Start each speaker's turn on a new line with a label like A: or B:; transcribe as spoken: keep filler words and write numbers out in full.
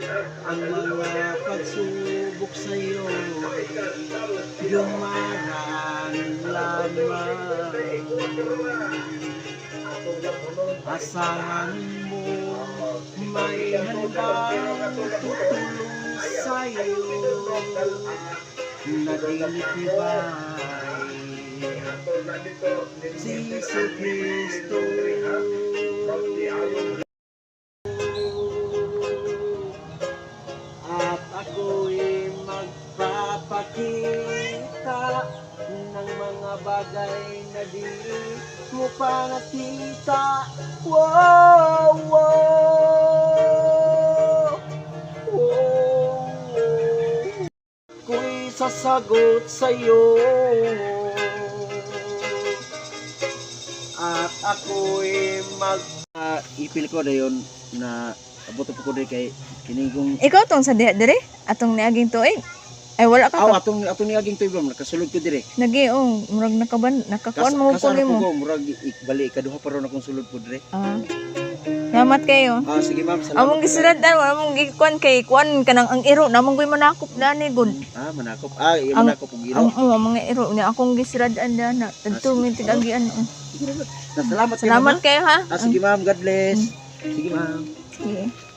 A: ang mga pagsubok sa'yo dumaraan lamang. Asahan mo may handang tutulong sa'yo na dinitibay si Jesu Cristo. At ako'y magpapakita ng mga bagay na di mo pa nakita. Wow, wow, wow. Ako'y sasagot sa'yo at ako'y mag uh, ipil ko na yun na abot po ko din kay kinigong
B: Ikaw tong sa diha dire atong niaging tuig. Ay wala ka.
A: aw
B: ka.
A: atong atong niaging tuig bro nakasulod ko dire.
B: Nagi oh, murag nakaban nakakuan mo ko
A: Kasana
B: mo.
A: ko murag ikbali kaduha pa ron akong sulod po dire.
B: Ah. Salamat kayo.
A: Ah sige ma'am, salamat.
B: Among gisuradan wala mong gikuan kay kuan kanang ang iro namong koy manakop dani gud.
A: Ah manakop. Ah iya
B: Ang-
A: manakop og giro.
B: Ang oh, mga iro ni akong gisuradan dana. Tadto mi tigagian.
A: Salamat.
B: Salamat kayo ha.
A: Ah sige ma'am, God bless. Sige ma'am.
B: Sige.